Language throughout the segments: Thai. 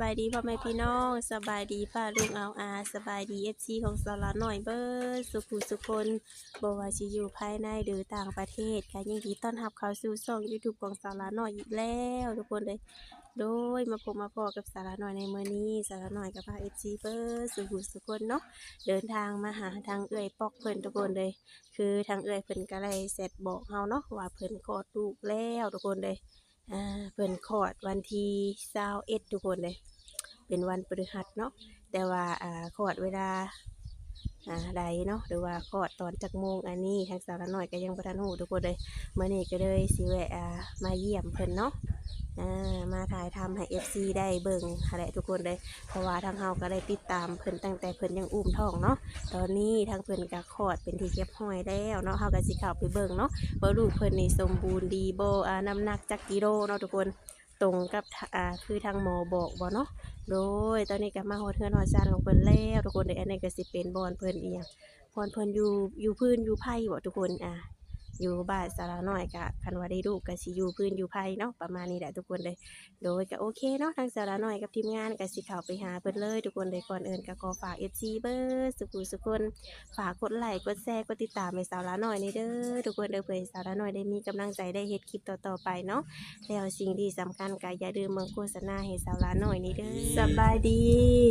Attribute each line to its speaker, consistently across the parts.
Speaker 1: ายดีพ่อแม่พี่น้องสบายดีป้าลุงเอาสบายดีFCของสาระหน่อยเบิดสุขุสุคนบ่ว่าสิอยู่ภายในหรือต่างประเทศก็ยินดีต้อนรับเข้าสู่ช่อง YouTube ของสาระหน่อยอีกแล้วทุกคนเลยโดยมาพบมาพอกับสาระหน่อยในมื้อนี้สาระหน่อยกับพา FC เบิดสุขุสุคนเนาะเดินทางมาหาทางเอื้อยปอกเพิ่นทุกคนเลยคือทางเอื้อยเพิ่นก็ได้เสร็จบอกเฮาเนาะว่าเพิ่นคลอดลูกแล้วทุกคนเลย เพิ่นคลอดวันที่21ทุกคนเลยเป็นวันพฤหัสเนาะแต่ว่าคลอดเวลาใดเนาะหรือว่าคลอดตอนจักโมงอันนี้ทางสาวน้อยก็ยังบ่ทันรู้ทุกคนเลยมื้อนี้ก็เลยสิแวะมาเยี่ยมเพิ่นเนาะมาถ่ายทำให้ FC ได้เบิ่งหั่นแหละทุกคนเลยเพราะว่าทางเฮาก็ได้ติดตามเพิ่นตั้งแต่เพิ่นยังอุ้มท้องเนาะตอนนี้ทางเพิ่นก็คลอดเป็นที่เรียบร้อยแล้วเนาะเฮาก็สิเข้าไปเบิ่งเนาะว่าลูกเพิ่นนี่สมบูรณ์ดีบ่น้ำหนักจักกิโลเนาะทุกคนตรงกับคือทางหมอบอกบ่เนาะโดยตอนนี้ก็มาฮอดเฮือนฮอดศาลของเพิ่นแล้วทุกคนเด้ออันนี้ก็สิเป็นบ่อนเพิ่นอีหยังบ่อนเพิ่นอยู่พื้นอยู่ไผบ่ทุกคนอยู่บ้านสาระน้อยก็คันว่าได้ลูกก็สิอยู่พื้นอยู่ไผเนาะประมาณนี้แหละทุกคนเลยโดยก็โอเคเนาะทางสาระน้อยกับทีมงานก็สิเข้าไปหาเพิ่นเลยทุกคนเลยก่อนอื่นก็ขอฝาก FC เบิดสุขุสุคนฝากกดไลค์กดแชร์กดติดตามให้สาระน้อยนี่เด้อทุกคนเด้อเพื่อให้สาระน้อยได้มีกำลังใจได้เฮ็ดคลิปต่อๆไปเนาะแล้วสิ่งที่สำคัญก็อย่าลืมเบิ่งโฆษณาให้สาระน้อยนี่เด้อสบายดี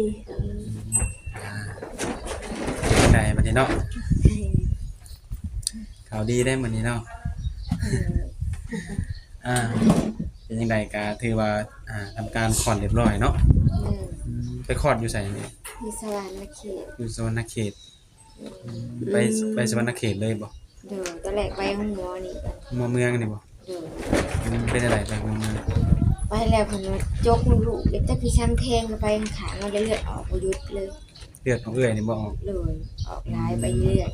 Speaker 2: ได้มื้อนี้เนาะข่าวดีได้มื้อนี้เนาะเป็นจังไดก็ถือว่าทำการคลอดเรียบร้อยเนาะไปคลอดอยู่ไสนี่
Speaker 3: มีสวรรค์เขต
Speaker 2: อยู่สวรรณเขตไปไปสวรรณเขตเลยบ่
Speaker 3: เดี๋ยวตอนแรกไปห้องหมอนี่
Speaker 2: หมอเมืองนี่บ่
Speaker 3: เดี๋ยว
Speaker 2: เป็นอะไรไปหมอเมือง
Speaker 3: ไปแล้วเพิ่นว่าจกลูกเด็กแต่พี่ช้ำแทงก็ไปข้างๆแล้วเลือดออกบ่หยุดเลย
Speaker 2: เลือดของเอื้อยนี่บ่ออก
Speaker 3: เลยออกหลายไปเรื่อย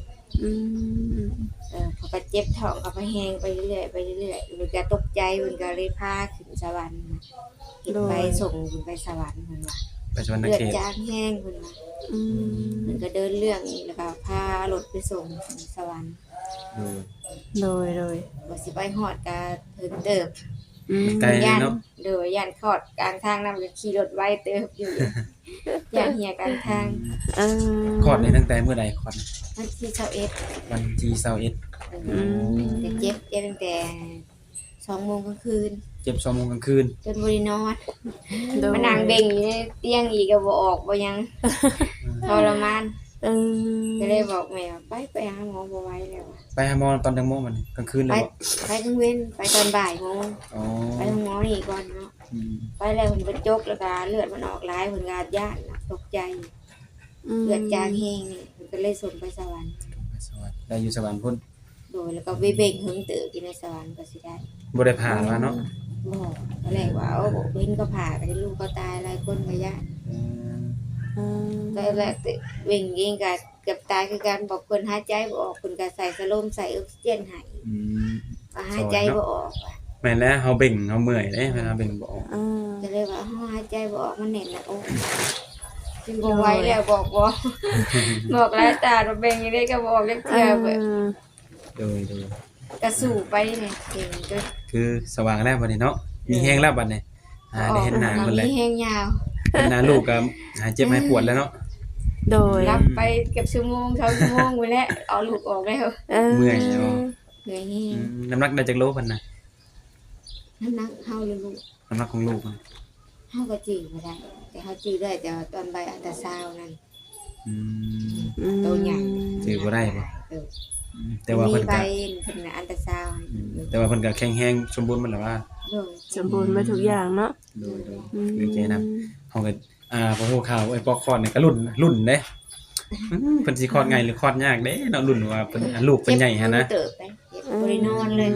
Speaker 3: เขาก็เจ็บท้องก็ไปแฮงไปเรื่อยไปเรื่อยเพิ่นก็ตกใจเพิ่นก็เลยพาขึ้นสวรรค์ขึ้นไปส่งขึ้นไปสวรรค์เพิ่นว่า
Speaker 2: ไปสวรรณ
Speaker 3: เลือด
Speaker 2: เขต
Speaker 3: จางแห้งเพิ่นว่าเพิ่นก็เดินเรื่องอีกแล้วก็พารถไปส่งถึงสวรรค์
Speaker 1: โดย
Speaker 3: บ่สิไปฮอดก็ถึงเติบ
Speaker 2: ไกลเนาะ
Speaker 3: เด้อย่านคลอดกลางทางนำก็ขี่รถไว้เติบอยู่ย่านเหี่ยกลางทาง
Speaker 2: คลอดนี่ตั้งแต่เมื่อใดคลอด
Speaker 3: วันที่21
Speaker 2: วันที่21
Speaker 3: แต่เจ็บตั้งแต่2 โมงกลางคืน
Speaker 2: เจ็บ2 โมงกลางคืน
Speaker 3: จนบ่ได้นอนมานั่งเบ่งอยู่ในเตียงอีกก็บ่ออกบ่ยังทรมานก็เลยบอกแม่ว่าไปหาหมอบ่ไหวแล้ว
Speaker 2: ไปหาหมอตอนจังโมงมันกลางคืนเลยบ่
Speaker 3: ไปกลางเว้นไปตอนบ่ายโมงไปโรงหมอนี่ก่อนเนาะไปแล้วเพิ่นก็จกแล้วก็เลือดมันออกหลายเพิ่นก็ย้านตกใจเลือดจางแห้งนี่เพิ่นก็เลยส่งไปสวรรค์
Speaker 2: ได้อยู่สวรรค์พุ่น
Speaker 3: โดยแล้วก็ไปเบ่งหึงเติบอยู่ในสวรรค์ก็สิได้
Speaker 2: บ่ได้ผ่าว่าเนาะ
Speaker 3: บ่ตอนแรกว่าเพิ่นก็ผ่าก็ลูกก็ตายหลายคนก็ย้านตอนแรกเบ่งเองก็เกือบตายคือกันบอกเพิ่นหายใจบ่ออกเพิ่นก็ใส่สโลมใส่ออกซิเจนให้ก็หายใจบ่ออก
Speaker 2: แม่นแล้วเฮาเบ่งเฮาเมื่อยเด้เวลาเบ่งบ่ออก
Speaker 3: ก็เลยว่าเฮาหายใจบ่ออกมันแน่นหน้าอกจึงบ่ไหวแล้วบอกบอกหลายตาว่าเบ่งอยู่ได้ก็บ่ออกจักเทื่อเบิด
Speaker 2: โดย
Speaker 3: ก็สู้ไปนี่เก่งก็
Speaker 2: คือสว่างแล้วบัดนี้เนาะมีแฮงแล้วบัดนี้ได้เห็นหน้าเพิ่นแล้ว
Speaker 3: มีแฮงยาว
Speaker 2: เห็นหน้าลูกก็หายเจ็บหายปวดแล้วเนาะ
Speaker 1: โดย
Speaker 3: รับไปเกือบชั่วโมง2 ชั่วโมงไปแล้วเอาลูกออกแล้ว
Speaker 2: เมื่อยเนาะ
Speaker 3: เหนื่อยแฮง
Speaker 2: น้ำหนักได้จักโลเพิ่นน่ะ
Speaker 3: น้ำหนักเฮาเลยลูก
Speaker 2: น้ำหนักของลูก
Speaker 3: เฮาก็จื้อบ่ได้แต่เฮาจื้อได้แต่ตอนใบอัลตราซาวน์นั่นตัวใหญ่
Speaker 2: จื้อบ่ได้บ่แต่ว่าเพิ่นก็
Speaker 3: เพิ่นอัลตราซาวน์
Speaker 2: แต่ว่าเพิ่นก็แข็งแรงสมบูรณ์หมดแล้วว่า
Speaker 1: สมบูรณ์มาทุกอย่างเนาะ
Speaker 2: โดยดีใจนำเฮาก็พอฮู้ข่าวไอ้ปอกคลอดนี่ก็รุ่นเด้เพิ่นสิคลอดง่ายหรือคลอดยากเด้เนาะรุ่นว่าเพิ่นลูกเพิ่นใหญ่หั่นนะ
Speaker 3: เติบไปบ่ได้นอนเลย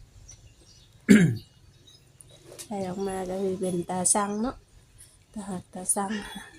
Speaker 1: ใส่ออกมาก็คือเป็นตาซังเนาะตาหักตาซัง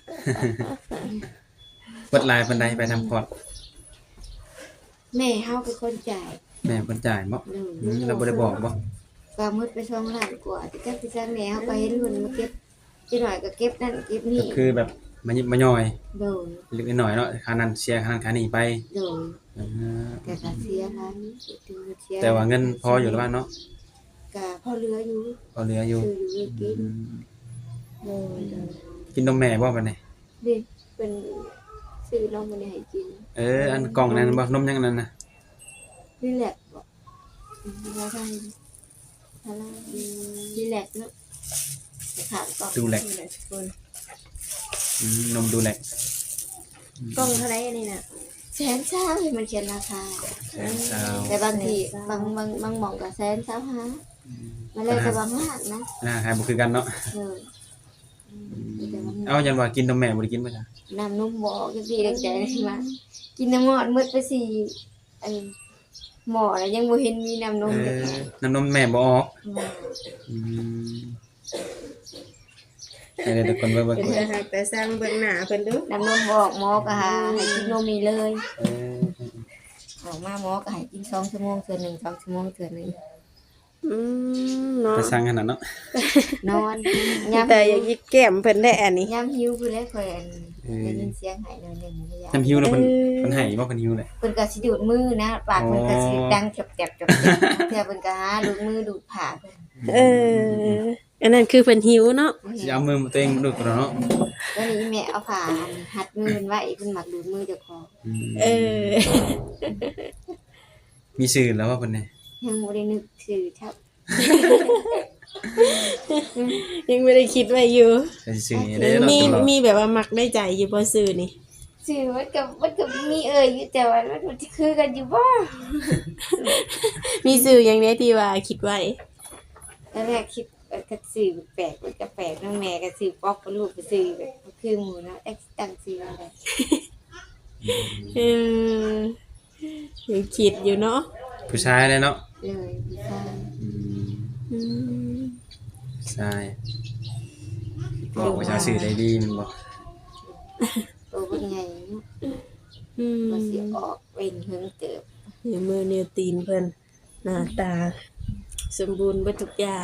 Speaker 2: เบิดหลายปานใดไปทำคลอด
Speaker 3: แม่เฮาเป็นคนจ่าย
Speaker 2: แม่เพิ่นจ่ายบ่เราบ่ได้บอกบ่
Speaker 3: ก็หมดไป2 ล้านกว่าแต่จักแม่เฮาไปเห็นเพิ่นมาเก็บจิหน่อยก็เก็บนั่นเก็บนี่
Speaker 2: ก็คือแบบมายิบมาย่อย
Speaker 3: โดย
Speaker 2: เล็กน้อยเนาะค่านั้นเสียค่านั้นค่านี้ไป
Speaker 3: โดยแต่ก็เสียล้าน
Speaker 2: แต่ว่าเงินพออยู่แล้วเนาะ
Speaker 3: ก็พอเหลืออยู่
Speaker 2: พอเหลืออยู่
Speaker 3: ซื้ออยู่กินโดย
Speaker 2: กินนมแม่บ่บัดนี้
Speaker 3: ดิเป็นซื้อนมมาให้กิน
Speaker 2: อันกล่องนั้นบ่นมยังอันนั้นน่ะ
Speaker 3: นี่แหละบอกว่าได้อะไรนี่แหละเนาะถามก่อน
Speaker 2: ดูแล
Speaker 1: คน
Speaker 2: นมดูแล
Speaker 1: กล้องเท่าไหร่อันนี้น่ะ
Speaker 3: แสนเช้าให้มันเขียนราคา
Speaker 2: เช้า
Speaker 3: แต่บางทีบางหม่องก็แสนเช้าฮะมันเลยแต่บางห้างนะ
Speaker 2: ให้บ่คือกันเนาะ
Speaker 3: แต่บาง
Speaker 2: เอายันว่ากินนมแม่บ่ได้กินบ่จ้ะ
Speaker 3: น้ำนมบอกจังซี่ดังใจว่ากินน้ำงอดมืดไปสิไอ้หมอน่ะยังบ่เห็นมีน้ำนมจักหน่อย
Speaker 2: น้ำนมแม่บ่ออกให้ทุกคนเบิ่ง
Speaker 1: เป็นแต่หักแต่สร้างเบิ่งหน้าเพิ่นดู
Speaker 3: น้ำนมบอกหมอก็หาให้กินนมนี่เลยออกมาหมอก็ให้กิน2ชั่วโมงเทื่อหนึง2ชั่วโมงเทื่อหนึง
Speaker 1: เนาะ
Speaker 2: ไปสั่งขนาดเนาะ
Speaker 3: นอนยาม
Speaker 1: แต่อย่ายิกแก้มเพิ่นได้อันนี้
Speaker 3: ยามหิวคือแล้วค่อยได้ยินเสียงหายหน่อยหนึงยาม
Speaker 2: น้ำหิวแล้วเพิ่นให้บ่เพิ่นหิวเลย
Speaker 3: เพิ่นก็สิดูดมือนะปากเพิ่นก็สิดังแจบๆๆเทื่อเพิ่นก็หาดูดมือดูดผ้าเพิ่น
Speaker 1: อันนั้นคือเพิ่นหิวเนาะ
Speaker 2: สิเอามือตัวเองดูดก่อนเนาะ
Speaker 3: แล้วนี่แม่เอาผ้าหัดมือเพิ่นไว้เพิ่นมักดูดมือเจ้าของ
Speaker 2: มีชื่อแล้วว่าเพิ่นนี่
Speaker 3: ยังบ่ได้นึกชื่อครับ
Speaker 1: ยังไม่ได้คิดไว้อยู่
Speaker 2: ก็สิชื่อได้เนาะ
Speaker 1: มี
Speaker 2: ตลอด
Speaker 1: มีแบบว่ามักได้ใจอยู่บ่ซื้อนี่
Speaker 3: ชื่อมันก็มีอยู่แต่ว่ามันสิคือกันอยู่บ่
Speaker 1: มีซื้ออย่างไดที่ว่าคิดไว้
Speaker 3: ตอนแรกคิดก็ชื่อแปลกมันก็แปลกเนาะแม่ก็ชื่อป๊อกกับลูกก็ชื่อแบบคือหมู่เนาะตั้งชื่ออะไร
Speaker 1: เออยังคิดอยู่เนาะ
Speaker 2: ผู้ชายเลยเนาะ
Speaker 3: เลยพี่ชาย
Speaker 2: ใช่บอกว่าจะสื่อได้ดีมันบอก
Speaker 3: โตเป็นไงเนาะบ่สิออกเป็นเฮิงเติบ
Speaker 1: นิ้วมือนิ้วตีนเพิ่นหน้าตา สมบูรณ์เบิดทุกอย่าง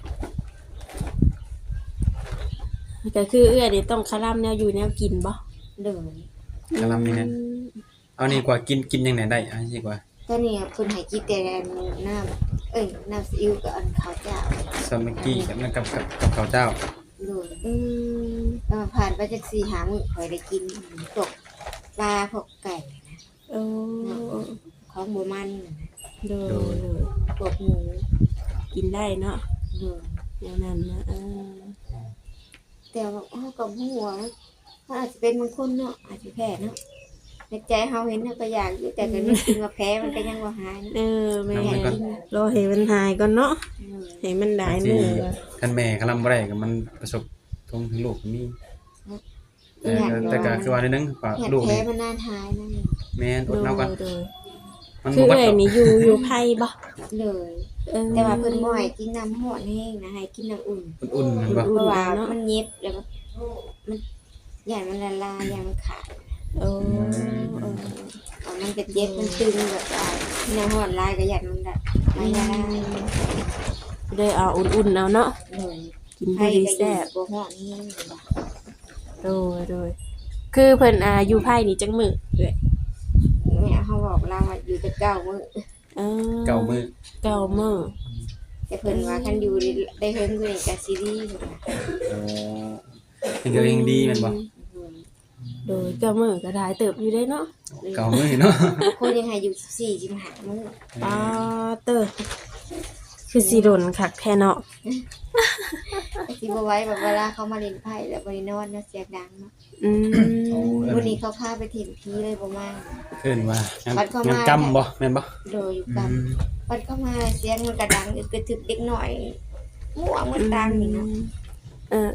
Speaker 1: ก็คือเอื้อนี่ต้องคาร่ำแนวอยู่แนวกินบ่
Speaker 3: เลย
Speaker 2: กำลังนี่นะเอานี่กว่ากินยังไงได้อันนี้กว่า
Speaker 3: ตอนนี้เพิ่นให้กินแต่น้ำน้ำซีอิ๊วกับอันข้าวเจ้า
Speaker 2: ซอมเมกกี้กับนั่นกับข้าวเจ้า
Speaker 3: เลย
Speaker 1: อืม
Speaker 3: ผ่านไปจาก4-5 มื้อค่อยได้กินพวกปลาพวกไก่
Speaker 1: โอ้
Speaker 3: ของบ่มันน่ะนะ
Speaker 1: โดย
Speaker 3: พวกหมู
Speaker 1: กินได้เนาะ
Speaker 3: เลย
Speaker 1: อย่างนั้นนะ
Speaker 3: แต่ว่าก็บ่ฮู้ว่ามันอาจจะเป็นบางคนเนาะอาจจะแพ้เนาะในใจเฮาเห็นเฮาก็อยากอยู่แต่ก็นึกถึงว่าแพ้มันก็ยังบ่หายเนาะ
Speaker 1: แม่รอให้มันหายก่อนเนาะ
Speaker 3: เลย
Speaker 1: ให้มันได้มือก่อน
Speaker 2: คันแม่กำลังบ่ได้ก็มันประสบทงถึงลูกก็มีแต่ก็คือว่าในนึงป่า
Speaker 3: อยาก
Speaker 2: ลูก
Speaker 3: แพ้
Speaker 2: นี่
Speaker 3: มันนานหายนั่น
Speaker 2: แม่นอดเอากัน
Speaker 1: โดย
Speaker 2: มัน
Speaker 1: คือ
Speaker 2: บ่
Speaker 1: เอ้ยนี่อยู่ไผบ่
Speaker 3: เลย แต่ว่าเพิ่นบ่ให้กินน้ำร้อนแห้งนะให้กินน้ำอุ่น
Speaker 2: อุ่นๆมันบ่
Speaker 3: เพราะว่ามันเย็บแล้วมันใหญ่มันละลายอย่างมันขาด
Speaker 1: โอ้
Speaker 3: มันจะเจ็บมันตึงแบบว่าน้ำร้อนลายก็อยากมันละลายละลาย
Speaker 1: ได้เอาอุ่นๆเอาเนาะ
Speaker 3: เลย
Speaker 1: กิน
Speaker 3: ให้
Speaker 1: ดี
Speaker 3: ก็
Speaker 1: แซ่บ
Speaker 3: บ่ร้อนแห้ง
Speaker 1: โดยคือเพิ่นอยู่ไผนี่จังมื้อเอ้ย
Speaker 3: เนี่ยเขาบอกเราว่าอยู่แต่9 มื้อ
Speaker 2: เก่ามือ
Speaker 1: เก้ามื้อ
Speaker 3: แต่เพิ่นว่าคันอยู่ได้เฮิงคือก็ซีรีส์พุ่นน่ะ
Speaker 2: โอ้ยังก็ยังดีแม่นบ่
Speaker 1: โดยเก้ามื้อก็ได้เติบอยู่ได้เนาะ
Speaker 2: เก่ามือเนาะ
Speaker 3: คนยังให้อยู่14-15 มื้อ
Speaker 1: ป้าเตอคือสิโดนคักแท้เนาะ
Speaker 3: สิบ่ไหว้แบบเวลาเขามาเล่นไพ่แล้วบ่ได้นอนเนาะเสียงดังเนาะ วันนี้เขาพาไปถิ่มพีเลยบ่มา
Speaker 2: เอิ้นว่างาน
Speaker 3: บัดเข้ามา
Speaker 2: งานกรรมบ่แม่นบ่
Speaker 3: โดยอยู่กับบัดเข้ามาเสียงมันกระดังอึกกระทึกเด็กหน่อยมั่วมันดังนี่เนาะ
Speaker 1: เออ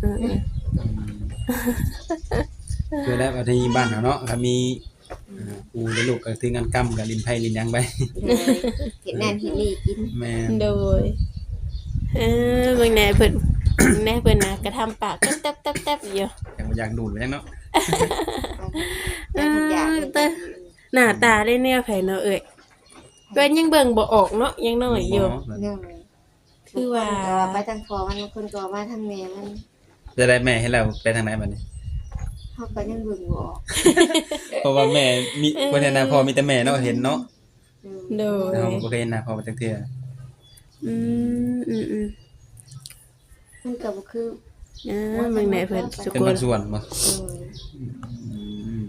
Speaker 2: คือแล้วว่าที่บ้านเฮาเนาะก็มีกูและลูกก็คืองานกรรมกับลินไผลินหยังไป
Speaker 3: เห็นนั่นเห็นนี่กิน
Speaker 2: แม่น
Speaker 1: โดยเบิ่งแหน่เพิ่นแหน่เพิ่นน่ะกระทำปากแต๊บๆๆอยู่
Speaker 2: อยากดูดไว้จังเนาะ
Speaker 3: แต่ทุกอย่าง
Speaker 1: หน้าตาได้แนวไผเนาะเอ้ยเพิ่นยังเบิ่งบ่ออกเนาะยังน้อยอยู่
Speaker 3: เนื่อง
Speaker 1: คือว่า
Speaker 3: ไปทางคอมันคนก็มาทางแม่มัน
Speaker 2: จะได้แม่ให้เราไปทางไหนบัดนี้
Speaker 3: เฮาก็ยังเบิ่งบ่ออก
Speaker 2: เพราะว่าแม่มีบ่ได้นะพ่อมีแต่แม่เนาะเห็นเนาะ
Speaker 1: โดย
Speaker 2: เราบ่เคยเห็นหน้าพ่อมาจักเทื่อ
Speaker 1: อืม
Speaker 3: มันก็บ่คือ
Speaker 1: เบิ่งได้เพิ่นสุ
Speaker 2: เป็น
Speaker 1: ก
Speaker 2: บา
Speaker 1: ล
Speaker 2: งส่วนบ่ อืม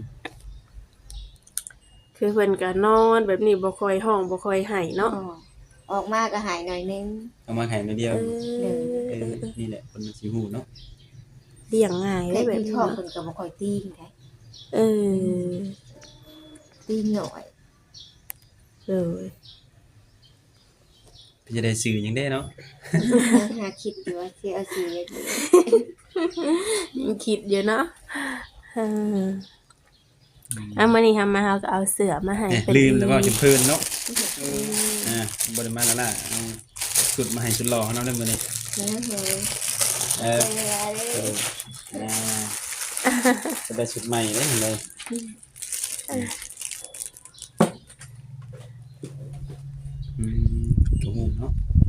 Speaker 1: คือเพิ่นก็นอนแบบนี้บ่ค่อยห้องบ่ค่อยให้เนาะ
Speaker 3: ออกมาก็หายหน่อยนึง
Speaker 2: เอามาให้นิดเดียว
Speaker 1: เออ
Speaker 2: นี่แหละคนมันสิฮู้เนาะ
Speaker 1: เลี้ยงง่าย
Speaker 3: แต่
Speaker 1: ได้แบบ
Speaker 3: ที่
Speaker 1: นี้
Speaker 3: ท้อง
Speaker 1: เนาะ
Speaker 3: เพิ่นก็บ่ค่อยตีนได้
Speaker 1: เออ
Speaker 3: ตีนหน่อย
Speaker 1: เออ
Speaker 2: พี่จะได้ซื้อหยังได้เนาะ
Speaker 3: หาคิดอยู่ว่าสิเอาสิอย่างนี้
Speaker 1: ยังคิดอยู่เนาะเออมื้อนี้มาเฮาก็เอาเสื้อมาให้
Speaker 2: เนี่ย
Speaker 1: เพิ่น
Speaker 2: ลืมแล้วก็จนเพลินเนาะบ่ได้มาแล้วล่ะเอาสุดมาให้สุดหล่อเขาเนาะเด้อมื้อนี้
Speaker 3: นะเฮ้ย
Speaker 2: เออ
Speaker 3: เวลาเด้
Speaker 2: เออจะได้ชุดใหม่เด้เห็นเลยกระหูเนาะ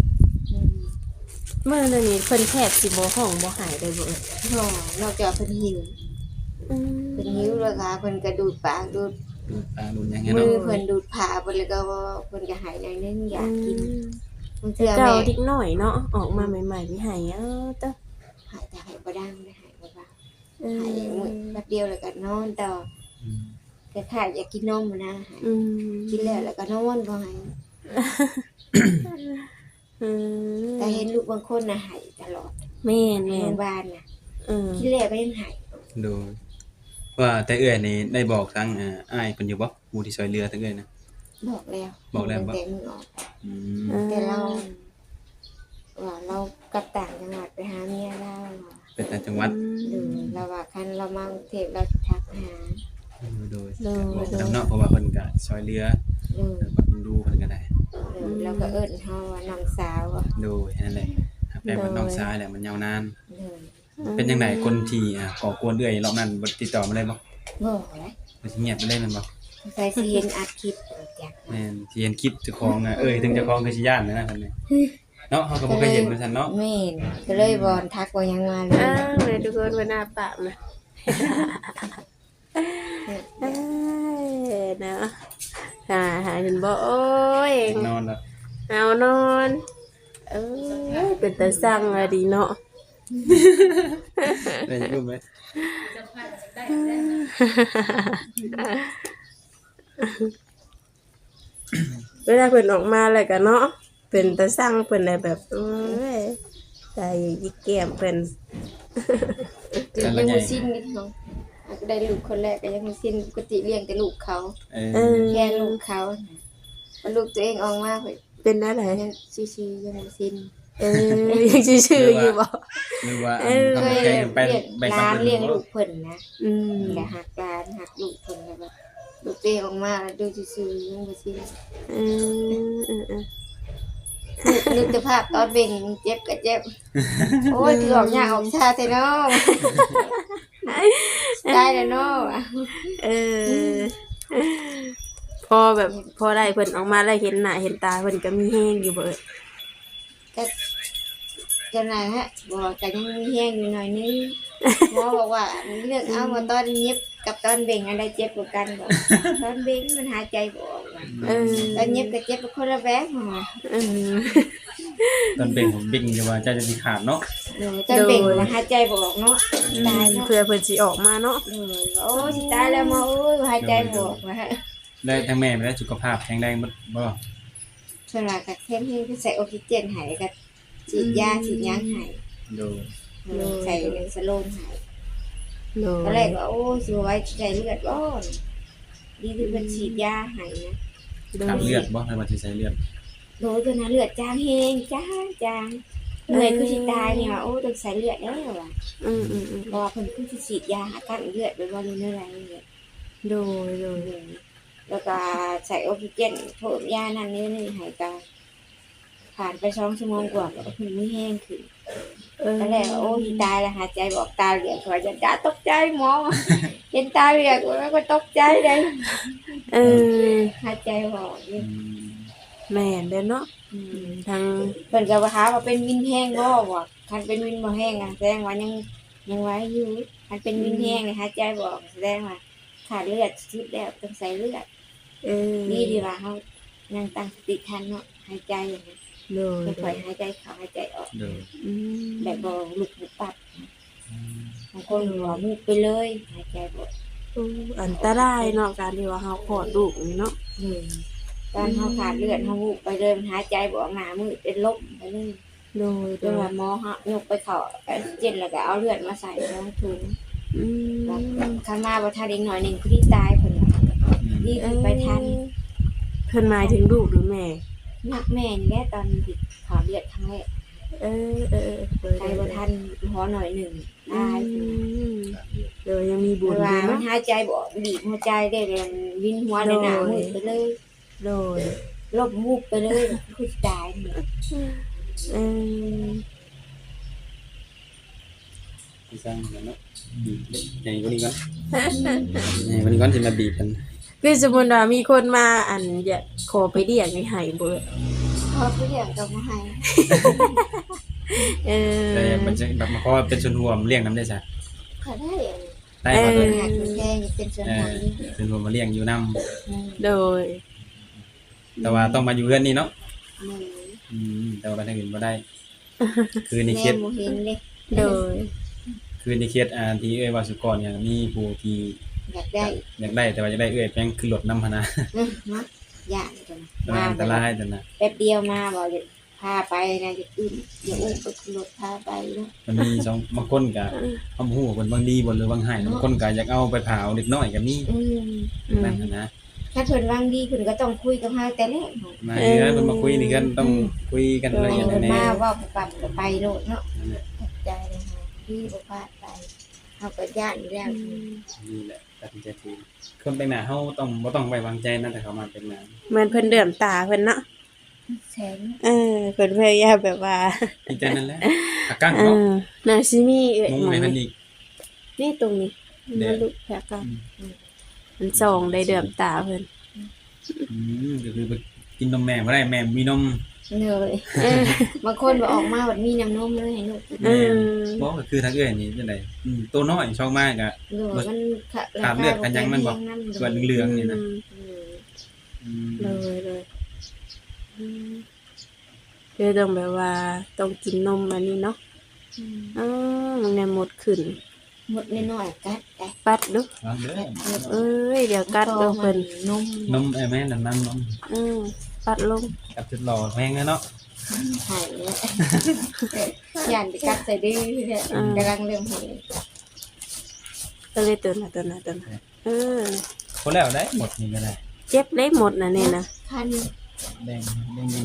Speaker 1: มื้อนี้เพิ่นแทบสิบ่ห้องบ่หายได้บ่เอ่ย
Speaker 3: นอกจากเพิ่นหิว
Speaker 1: อืม
Speaker 3: เพิ่นหิวแล้วค่ะเพิ่นก็ดูดปากดูด
Speaker 2: ดูตาดูหยังไง
Speaker 3: มื
Speaker 2: เนาะ
Speaker 3: อเพิ่นดูดผ้าเพิ่นแล้วก็ว่าเพิ่นก็หายหน่อยนึงอยากกินบางเทื่อ
Speaker 1: เจ้า
Speaker 3: แม่
Speaker 1: เด็กน้อยเนาะออกมาใหม่ๆมีให้เต้อ
Speaker 3: หายแต่หายบ่ดังได้หายบ่ว่า
Speaker 1: เอ
Speaker 3: หายมื้อแป๊บเดียวแล้วก็นอนต่อ
Speaker 2: อืม
Speaker 3: แต่ถ้าอยากกินนมนะหาย
Speaker 1: อืม
Speaker 3: กินแล้วก็นอนบ่หาย
Speaker 1: อืม
Speaker 3: แต่เห็นลูกบางคนน่ะหายตลอด
Speaker 1: แม่น
Speaker 3: ใน
Speaker 1: แม่
Speaker 3: โร
Speaker 1: น
Speaker 3: งพยาบาลน่ะ
Speaker 1: เออ
Speaker 3: กินแล้วก็ยังหาย
Speaker 2: ดูว่าแต่เอื้อยนี่ได้บอกทั้งอ้ายเพิ่นอยู่บ่ผู้ที่ช่วยเหลือทั้งเอื้อยนะ
Speaker 3: บอกแล้ว
Speaker 2: บอกแล้ว
Speaker 3: แต่มือออก
Speaker 2: อืม
Speaker 3: แต่เราว่าเรากลับต่างจังหวัดไปหาเมียเรา
Speaker 2: เป็นต่างจังหวัด
Speaker 3: หรือเราว่าคันเรามากรุงเทพเราสิทักหา
Speaker 2: โดยบอกนำเนาะเพราะว่าเพิ่นก็ช่วยเหลือ
Speaker 3: หรือ
Speaker 2: แบบดูเพิ่นก็ได้
Speaker 3: เราก็เอิ้นเฮาว่าน้องสาวอะ
Speaker 2: โดยนั่นแหละครับแต่ว่าน้องชายแหละมันยาวนาน
Speaker 3: หรือ
Speaker 2: เป็นจังไดคนที่ก่อกวนเอื้อยรอบนั้นบ่ติดต่อมาเลยบ่
Speaker 3: บอกเลย
Speaker 2: มันสิเงียบไปเลยแม่นบ่
Speaker 3: ใส่สิเห็นอัดคลิปจาก
Speaker 2: แม่นสิเห็นคลิปเจ้าของถึงเจ้าของคือสิย่านนะเพิ่นนี่เนาะเฮาก็บ่เคยเห็นเหมือนกันเนาะ
Speaker 3: แม่นก็เลยบอนทักว่ายังมาเลย
Speaker 1: อ้าวแม่ทุกคนว่าหน้าปากนะเอ้ยเนาะหาเห็นบ่โอ้ย
Speaker 2: นอนแล้ว
Speaker 1: เอานอนเอ้ยเป็นตาสั่งอะดีเนาะ
Speaker 2: ได้ยินไหม
Speaker 1: เวลาเพิ่นออกมาแล้วก็เนาะเป็นตาสั่งเพิ่นได้แบบเอ้ยใจยิกแก้มเพิ่น
Speaker 3: ยังบ่สิ้นนิดเนาะก็ได้ลูกคนแรกก็ยังบ่สิ้นปกติเลี้ยงแต่ลูกเขา
Speaker 2: เออ
Speaker 3: แค่ลูกเขาพอลูกตัวเองออกมาเพิ่น
Speaker 1: เป็นอะไร
Speaker 3: ยังชิๆยังบ่สิ้น
Speaker 1: ยังชื่อๆอยู่บ่
Speaker 2: หรือว่า
Speaker 1: เออ
Speaker 2: ทำ
Speaker 3: เคย
Speaker 2: แค่
Speaker 3: เลี้ยง
Speaker 2: ไปไป
Speaker 3: หลานเลี้ยงลูก
Speaker 2: เ
Speaker 3: เพิ่นนะ
Speaker 1: อืม
Speaker 3: แต่หักหลานหักลูกเพิ่นแล้วแบบลูกตัวเองออกมาแล้วดูซื่อๆยังบ่สิ้น นึกสภาพตอนเบ่งเจ็บก็เจ็บ โอ้ยคือออกยากออกชาแต่เนาะได้แล้วเนาะ
Speaker 1: เออพอแบบพอได้เพิ่นออกมาแล้วเห็นหน้าเห็นตาเพิ่นก็มีแฮงอยู่เบิด
Speaker 3: ก็จังไดฮะบอกก็ยังมีแห้งอยู่หน่อยนึงหมอบอกว่าเลือกเอาว่าตอนเย็บกับตอนเบ่งอันใดเจ็บกว่ากันบ่ตอนเบ่งมันหายใจบ่ออกว่ะ
Speaker 1: เออ
Speaker 3: ตอนเย็บก็เจ็บคนละแบบหมอ
Speaker 1: เออ
Speaker 2: ตอนเบ่งผมบิ่งอยู่ว่าเจ้าจะมีขาดเนาะ
Speaker 3: ตอนเบ่งมันหายใจบ่ออกเนาะตายเนาะ
Speaker 1: เพื่อเพิ่นสิออกมาเนาะ
Speaker 3: โอ้ยสิตายแล้วหมอโอ้ยหายใจบ่ออกว่ะ
Speaker 2: ได้ทั้งแม่ไปได้สุขภาพแข็งแรงบ่
Speaker 3: ส่วนหลายก็เข้มให้ใส่ออกซิเจนให้ก็ฉีดยาฉีดหยังให้
Speaker 2: โดย
Speaker 3: ใส่สโลนให้
Speaker 1: โด
Speaker 3: ตอนแรกว่าโอ้ยสิไว้ใส่เลือดบ่ดีที่เพิ่นฉีดยาให้นะ
Speaker 2: ขาดเลือดบ่ให้มาสิใส่เลือด
Speaker 3: โดยตัวนั้นเลือดจางแฮงจางเหนื่อยคือสิตายเนี่ยโอ้ต้องใส่เลือดแล้วว่ะ
Speaker 1: อืม
Speaker 3: เพราะว่าเพิ่นคือสิฉีดยาหากันเลือดไปบ่รู้เท่าไหร่เนี่ย
Speaker 1: โดย
Speaker 3: แล้วก็ใส่ออกซิเจนเพิ่มยานั่นนี่ให้ก็ผ่านไป2ชั่วโมงกว่าก็เพิ่นมีแห้งขึ้นตอนแรกว่าโอ้ยสิตายแล้วหายใจบ่ออกตาเหลือกว่าจะตาตกใจหมอเห็นตาเหลือกแล้วก็ตกใจเลย
Speaker 1: เออ
Speaker 3: หายใจบ่ออกอยู่
Speaker 1: แม่นเด้อเนาะทาง
Speaker 3: เพิ่นก็ว่าหาว่าเป็นวินแห้งบ่ว่าคันเป็นวินบ่แห้งอ่ะแสดงว่ายังไหวอยู่คันเป็นวินแห้งนี่หายใจบ่ออกแสดงว่าขาดเลือดสุดแล้วต้องใส่เลือด
Speaker 1: เออ
Speaker 3: นี่ดีว่าเฮายังตั้งสติทันเนาะหายใจอย่างนี้
Speaker 1: โดย
Speaker 3: ค่อยๆหายใจเข้าหายใจออก
Speaker 2: โดย
Speaker 1: อืม
Speaker 3: แบบบ่ลุกบุบปับบางคนว่ามุกไปเลยหายใจบ่ออก
Speaker 1: อันตรายเนาะการที่ว่าเฮาคลอดลูกนี่เนาะ
Speaker 3: ตอนเฮาขาดเลือดเฮามุกไปเลยมันหายใจบ่ออกหน้ามืดเป็นลมไปเลย
Speaker 1: โดย
Speaker 3: จนว่าหมอเฮายกไปเข้าออกซิเจนแล้วก็เอาเลือดมาใส่ท้องถุง
Speaker 1: อืม
Speaker 3: แล้วข้างมาบ่ทันอีกหน่อยหนึงคือที่ตายเพิ่นว่านี่คือไปทัน
Speaker 1: เพิ่นหมายถึงลูกหรือแม่
Speaker 3: นักแม่นี่แหละตอนที่ขาดเลือดครั้งแรก
Speaker 1: เออ
Speaker 3: ไปบ่ทันหอหน่อยหนึงตาย
Speaker 1: เดี๋ยวยังมีบุ
Speaker 3: เพ
Speaker 1: ญ
Speaker 3: ราะ
Speaker 1: อ
Speaker 3: ว่า
Speaker 1: ยู่
Speaker 3: มัน
Speaker 1: เนาะ
Speaker 3: หายใจบ่ออกบีบหัวใจได้เลยวินหัวในหน้ามืดไปเลย
Speaker 1: โดย
Speaker 3: ลบมูกไปเลยคือตายนี่
Speaker 1: เออ
Speaker 2: ที่สร้างกันเนาะบีบใหญ่กว่านี้ก่อนใหญ่กว่านี้ก่อนสิมาบีบกัน
Speaker 1: คือสมมุติว่ามีคนมาอันอยากขอไปเรียกให้ให้เบิด
Speaker 3: พอผู้เลี้ยงก็บ่ให้
Speaker 1: เออ
Speaker 2: แต่มันจะแบบมาขอเป็นส่วนรวมเลี้ยงน้ำได้ซะ
Speaker 3: ก็ได้
Speaker 2: ได้บ่เด้อ
Speaker 3: หักแค่เป็นส่วนของนี้
Speaker 2: ส่วนรวมมาเลี้ยงอยู่นํ
Speaker 1: โดย
Speaker 2: แต่ว่าต้องมาอยู่เรือนนี้เนาะ
Speaker 3: หนึ่ง
Speaker 2: แต่ว่าไปทางอื่นบ่ได้ คือใน
Speaker 3: แม่
Speaker 2: เขต
Speaker 3: บ่เห็นเลย
Speaker 1: โดย
Speaker 2: คือในเขตที่เอ้ยว่าสุกรเนี่ยมีผู้ที่
Speaker 3: อยากได้
Speaker 2: อยากได้แต่ว่าอยากได้เอ้ยแพงคือรถนำพะนะ
Speaker 3: มาย่านกัน
Speaker 2: มันอันตรายจังนะ
Speaker 3: แป๊บเดียวมาบอกจะพาไปนะจะอุ้มอย่าอุ้มไปขึ้นรถพาไปเนาะ
Speaker 2: มันมีสองบางคนก็เฮาบ่ฮู้ว่าเพิ่นบางดีบ่หรือบางให้บางคนก็อยากเอาไปเผาเด็กน้อยก็มีนั่นหั้นนะ
Speaker 3: ถ้าเพิ่นวางดีเพิ่นก็ต้องคุยกับเฮาแต่แรก
Speaker 2: มาเฮือนเพิ่นมาคุยนี่กันต้องคุยกันละเอียด
Speaker 3: เพิ่น
Speaker 2: แน่
Speaker 3: มาว่าปรับก็ไปโลดเนาะ
Speaker 2: นั่นแหละ
Speaker 3: ขอบใจเลยค่ะที่บ่พลาดไปเฮาก็ย่านอยู่แล้ว
Speaker 2: นี่แหละตัดสินใจทีคนแต่งหน้าเฮาต้องบ่ต้องไว้วางใจนะแต่เขามาแต่งหน้า
Speaker 1: เหมือนเพิ่นเดือมตาเพิ่นเนาะ
Speaker 3: แสน
Speaker 1: เพิ่นพยายามแบบว่า
Speaker 2: ดีใจนั่นแหละอากัง
Speaker 1: เอ
Speaker 2: เนาะ
Speaker 1: อน่าสิมีเอ้ย
Speaker 2: มุง
Speaker 1: หมอ
Speaker 2: ให้
Speaker 1: ง
Speaker 2: เพิ่นอีก
Speaker 1: นี่ตรงนี้
Speaker 2: เดี๋
Speaker 1: มั
Speaker 2: ยว
Speaker 1: นลุกแผลกันมันส่องได้เดือมตาเพิ่น
Speaker 2: ก็คือไปกินนมแม่บ่ได้แม่มีนม
Speaker 3: เลยบางคนบ่ออกมาบัดมีน้ำนมเลยให้ลูก
Speaker 1: เออ
Speaker 2: บ่ก็คือทางเอ้ยนี่จังได๋ตัวน้อยช่องมากก็
Speaker 3: หรือว่ามัน
Speaker 2: ขาดเลือดกันยังมันบอกส่วนเหลืองๆนี่นะ
Speaker 1: เลยคือต้องแบบว่าต้องกินนมอันนี้เนาะมันเนี่ยหมดขึ้น
Speaker 3: หมดน้อยๆกัดได้
Speaker 1: ปัดดู
Speaker 2: วางเด้อ
Speaker 1: เอ้ยเดี๋ยวกัดเด้อเพิ่น
Speaker 3: นม
Speaker 2: นมแม่นั่นนนม
Speaker 1: ปัดลง
Speaker 2: กับจุดหล่อแพงเนาะ
Speaker 3: หายแล้วย่านไปกัดใส่ดื้อเนี่ยกำลังเริ่มเห็น
Speaker 1: ก็เลยตัวน่ะ
Speaker 2: คนแล้วได้หมดนี่ก็ได้
Speaker 1: เจ็บได้หมดน่ะนี่นะ
Speaker 3: คัน
Speaker 2: แดงดี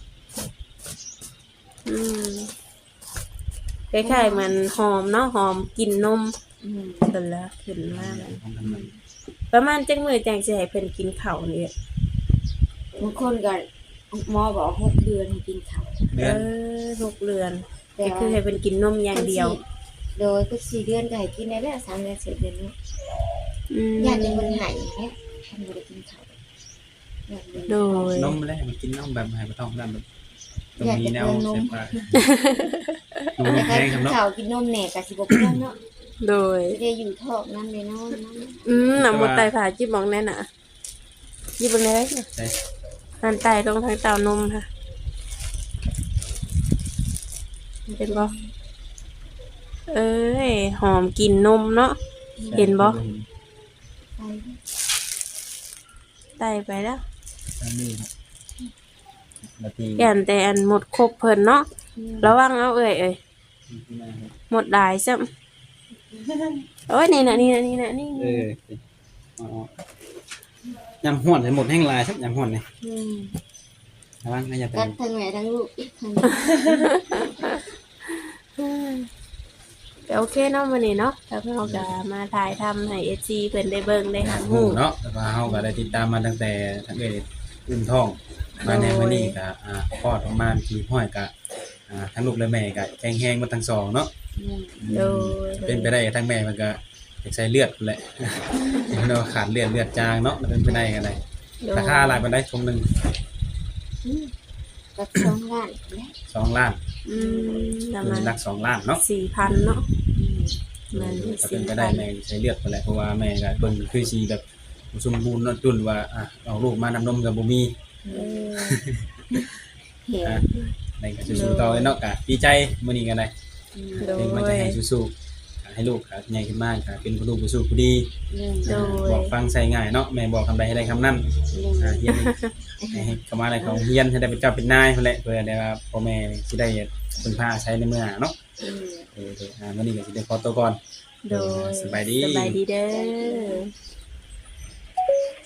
Speaker 1: คล้ายๆมันหอมเนาะหอมกลิ่นนม
Speaker 3: อืม
Speaker 1: เพิ่นละขึ้นมาแล้ว
Speaker 2: ของกันมัน
Speaker 1: ประมาณจังมื้อจังสิให้เพิ่นกินข้าวนี่
Speaker 3: บางคนก็หมอบอก6 เดือนให้กินข้าว
Speaker 2: เดือน
Speaker 1: 6 เดือน
Speaker 3: แต่
Speaker 1: ก็คือให้เพิ่นกินนมอย่างเดียว
Speaker 3: โดยก็4 เดือนก็ให้กินได้แล้ว3 เดือน4 เดือนเนาะ
Speaker 1: อืม
Speaker 3: ย่านจะมันหายแค่ท่านบ่ได้กินข้าวย่าน
Speaker 1: โดย
Speaker 2: นมแรกมันกินนมแบบให้บ่ต้องนั่นแบบตรงนี้แนวเสียบดู
Speaker 3: แต่
Speaker 2: แพ
Speaker 3: ถ้าง
Speaker 2: ครับเนาะ
Speaker 3: ข้าวกินนมแหน่ก็สิบ่เป็นเนาะ
Speaker 1: โดย
Speaker 3: สิได้อยู่ท้องนำเลยเนาะ
Speaker 1: น้ำหมดไตผ่าจิบมองแน่น่ะจิบบ่ได้น่ะ
Speaker 2: ใช่
Speaker 1: หันไตลงทางเต้านมค่ะเห็นบ่เอ้ยหอมกลิ่นนมเนาะ เห็นบ่ ไตไปแล้ว
Speaker 2: อันนี้นาที
Speaker 1: ยันแต่อันหมดครบเพิ่นเนาะระวังเอาเอ้ยหมดหลายซ้ำโอ้ยนี่น่ะนี่
Speaker 2: ยำห่วนให้หมดแห้งลายสักยำห่วนนี่
Speaker 3: อืม
Speaker 2: ระวังนะอย่าไป
Speaker 3: กัดทั้งแม่ทั้งลูกอีกทั้ง
Speaker 1: ก็โอเคเนาะมื้อนี้เนาะแล้วเราก็มาถ่ายทำให้ FC เพิ่นได้เบิ่งได้หา
Speaker 2: หู
Speaker 1: ฮู้
Speaker 2: เนาะแต่ว่าเฮาก็ได้ติดตามมาตั้งแต่ทั้งเอ้ยอุ้มท้องมาในมื้อนี้ก็คลอดออกมาที่ห้อยก็ทั้งลูกและแม่ก็แข็งแรงหมดทั้งสองเนาะ
Speaker 1: โดย
Speaker 2: เป็นไปได้ทั้งแม่มันก็อยากใช้เลือดพู้นแหละ เนาะขาดเลือดจางเนาะเป็นไปได้กันได้ราคาหลายปานใดทงหนึง
Speaker 3: กับ2 ล้านแล้ว
Speaker 2: 2 ล้าน
Speaker 1: ประ
Speaker 2: คือ
Speaker 1: มาณ
Speaker 2: หลัก2 ล้านเนาะ
Speaker 1: 4,000เนาะมัน
Speaker 2: ก็เป็นไปได้แม่ใช้เลือดพู้นแหละเพราะว่าแม่ก็เบิ่งคือสิแบบบ่สมบูรณ์เนาะจุนว่าเอาลูกมานำนมก็บ่มี
Speaker 3: เห็น
Speaker 2: ในก็สู้ๆต่อเนาะก็ดีใจมื้อนี้ก็ได้
Speaker 1: โด
Speaker 2: เป็นมันจะ
Speaker 1: ย
Speaker 2: ให้สู้ๆให้ให้ลูกก็ใหญ่ขึ้นมาก็เป็นผู้รู้ผู้สู้ผู้ดี
Speaker 3: โดย
Speaker 1: โดย
Speaker 2: บอกฟังใส่ง่ายเนาะแม่บอกคำใดให้ได้คำนั้นเฮียนให้เข้ามาอะไรของเฮียนให้ได้เป็นเจ้าเป็นนายนั่นแหละเพื่อได้ว่าพ่อแม่สิได้พึ่งพาใช้ในเมื่อเนาะวันนี้ก็สิได้ขอตัวก่อน
Speaker 1: โดย
Speaker 2: สบายดี
Speaker 1: สบายดีเด้อ